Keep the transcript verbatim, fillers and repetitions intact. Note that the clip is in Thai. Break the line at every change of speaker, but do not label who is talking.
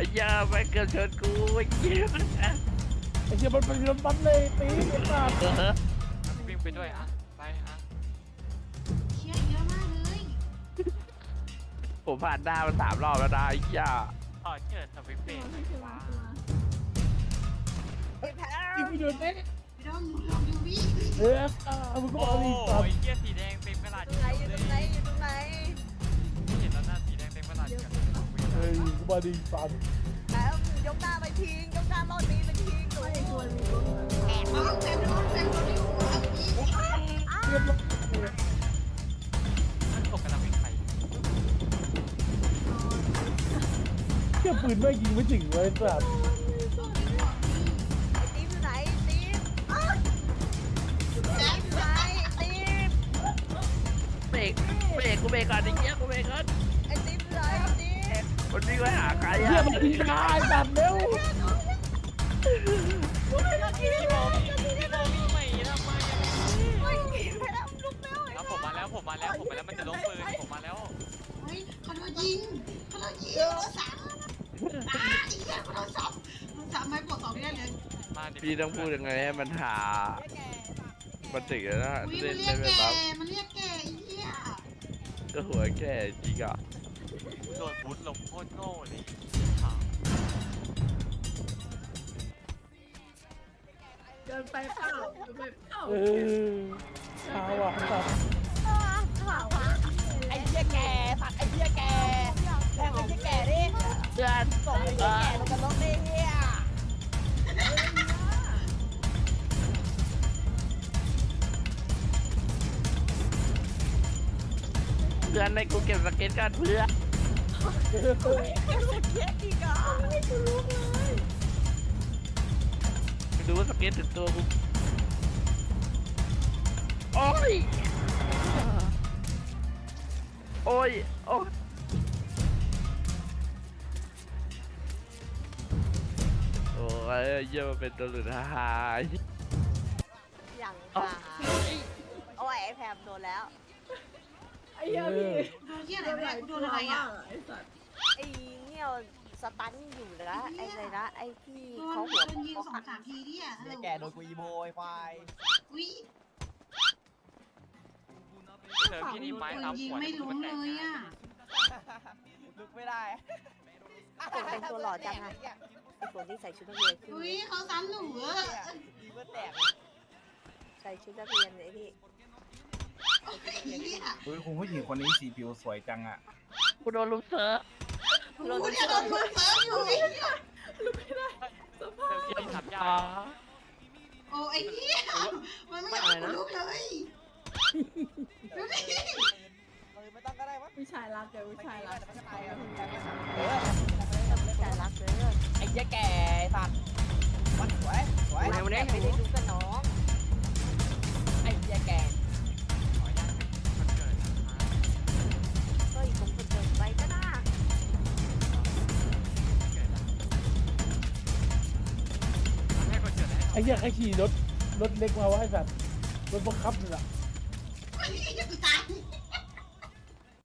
ยาไปเกือบชนกูไอ้เหี้ย
ไอ้เหี้ยมันเป็นรถบัสเลยตีไอ้สัส
วิ่งไปด้วยอ่ะไปอ่ะ
เชี่ยเยอะมากเลย
ผมผ่านหน้ามันสามรอบแล้วนะไอ้เหี้ย
ต่อเจิดสวิปเปย์ว้า
ยิงไปโดนเอ๊ะ
พี่ดอมลองดูวิ
เออมึงก็
โอ้
มาดิสัส
ยเหี้ยสีแดงเต็มกระดาษ
ตรงไหนอยู่ตรงไหนอยู่ตรงไหน
เห็นแล้วหน้าสีแดงเต็มกระดาษกับ
เฮ้ยมึงก็มาดิสัส
แล้วยกหน้าไปทิ้งยกหน้ารอบนี้ไปทิ้งหนู
แอบน้องแต่โดนแต่โดนอยู่อ่ะพี่
เรียบร้อย
มันตกกำลังวิ่งไป
เที่ยปืนไม่ยิงไม่ถึงเลยสัส
ไอ้ติ๊บอยู่ไหนติ๊บอ้าวติ๊บอยู่ไหนติ๊บ
เบรกเบรกกูเบรกก่อนไอ้เหี้ยกูเบรกก่อน
ไอ้ติ๊บอยู่ไหนติ๊บ
มันวิ่งไปหาใคร
เที่ย
อะ
มันยิงตายสัสเร็ว
พี่โบพี่พี่โบวิ่งใหม่ทำไม
เฮ้ยไปแล้วลุกแล้ว
แล้วผมมาแล้วผมมาแล้วผมมาแล้วมันจะล้มปืนผมมาแล้ว
เฮ้ยเขาโดนยิงเขาโดนยิงโดนสามอ่าอีกแล้วเขาโดนสามโดนสามไม่บวกสองไม่ได้เลย
มาดิ
พี่ต้องพูดยังไงให้มันหามันถึงแล้วนะ
อุ้ย
เล่
มัน นเรีย
ได้
ก
ไหม
แก
ครับ
มันเรียกแกไอ้เหี้ย
ก็หัวแก่จริงอ่ะ
โดนพุทลงโคตรโง่เลยขา
เดินไปเปล่าเดินไปเปล่า
เออช้าว่ะสัส
ไอ้เหี้ยแก่สัตว์ไอ้เหี้ยแก่แทงไอ้เหี้ยแก่ดิ
เพื่อน
ส่งไอ้เหี้ยแก่ลงกันรถดิเหี้ย
เพื่อนในกูเก็บสเก็ตกันเพื่อน
เออ
เหี้ยอีกอ่ะ
ไปดูว่าสเก็ตถึงตัวกูโอ้ยโอ้ยโอ้ยโอ้ยเยี่ยมเป็นตัวหลุดหาย
อย่างค่ะโอ้ยไอ้แพมโดนแล้ว
ไอ้เหี้ยพี่
โดนเหี้ยอะไรไม่ได้กูโดนอะไรอ่ะ
ไอ้สัตว์
ไอ้เนี่ยสตันอยู่นะไอ้อะไรนะไอ้ที่
โด
เขา
น
หัว
โดนยิงสองสามทีดิอ่ะ
ไอ้แกโดนกูอีโมไอ้ควาย
อุ้ย
เจอพี่นี่ไม้
คน
ตาม
ยิง
หัว
ไม่ล้มเลยอ่ะ
ลุกไม่ได้
เป็นตัวหล่อจังอะไอ้ตัวที่ใส่ชุดนักเรียนขึ้น
อุ้ยเขาซ้ำหนูเออ
ดีเพื่อแตก
ใส่ชุดนักเรียนเลยไอ้พี่
เหี้ย
เฮ้ยคุณผู้หญิงคนนี้สีผิวสวยจังอ่ะ
กูโดนลุมเซิร์ฟ
กูเนี่ยโดนลุมเซิร์ฟอยู่ไอ้เหี้ย
เจอพี่นี่ขับยา
อ๋อ
โอ้ไอ้เหี้ยมันไม่อยากให้กูลุกเลยดูดิ
เออไม่ต้องก็ได้วะ
ผู้ชายรักเดี๋ยวผู้ชายรัก
มันก็ตายอ่ะ
เออไม่ใจรักเลย
ไอ้เหี้ยแก่สัตว์มันสวยสวย
ไม่ได้ไม่ได้ดูกับน้อง
ไอ้เหี้ยแก่
ขออนุญาตเป็นคนเกิดนะคะ
ก็อีกคนคนเดินไปก็น่า
เกิดแล้วให้คนเกิดให้
ไอ้เหี้ยใครขี่รถรถเล็กมาวะไอ้สัสรถบังคับนี่แหละ